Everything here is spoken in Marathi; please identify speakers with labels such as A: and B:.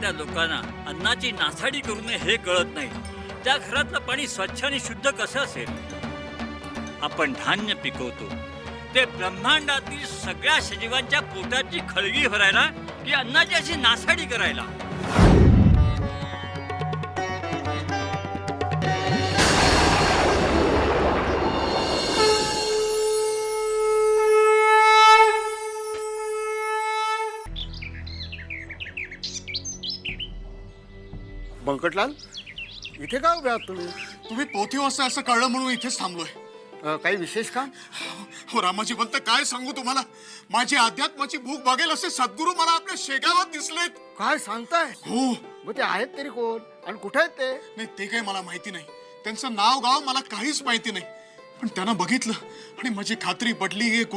A: घरातल्या लोकांना अन्नाची नासाडी करू नये हे कळत नाही. त्या घरातलं पाणी स्वच्छ आणि शुद्ध कसं असेल? आपण धान्य पिकवतो ते ब्रह्मांडातील सगळ्या सजीवांच्या पोटाची खळगी भरायला की अन्नाची अशी नासाडी करायला?
B: बंकटलाल, इथे का उभे आहात तुम्ही?
C: तुम्ही पोथी वाजता असं कळलं म्हणून इथेच थांबलोय.
B: काही विशेष का?
C: हो रामाजी म्हणत काय सांगू तुम्हाला, माझी अध्यात्माची भूक बघेल असे सद्गुरू मला आपल्या शेगावात दिसलेत.
B: काय सांगताय?
C: हो.
B: मग ते आहेत तरी कोण आणि कुठे आहेत ते?
C: नाही ते काही मला माहिती नाही, त्यांचं नाव गाव मला काहीच माहिती नाही, पण त्यांना बघितलं आणि माझी खात्री पटली.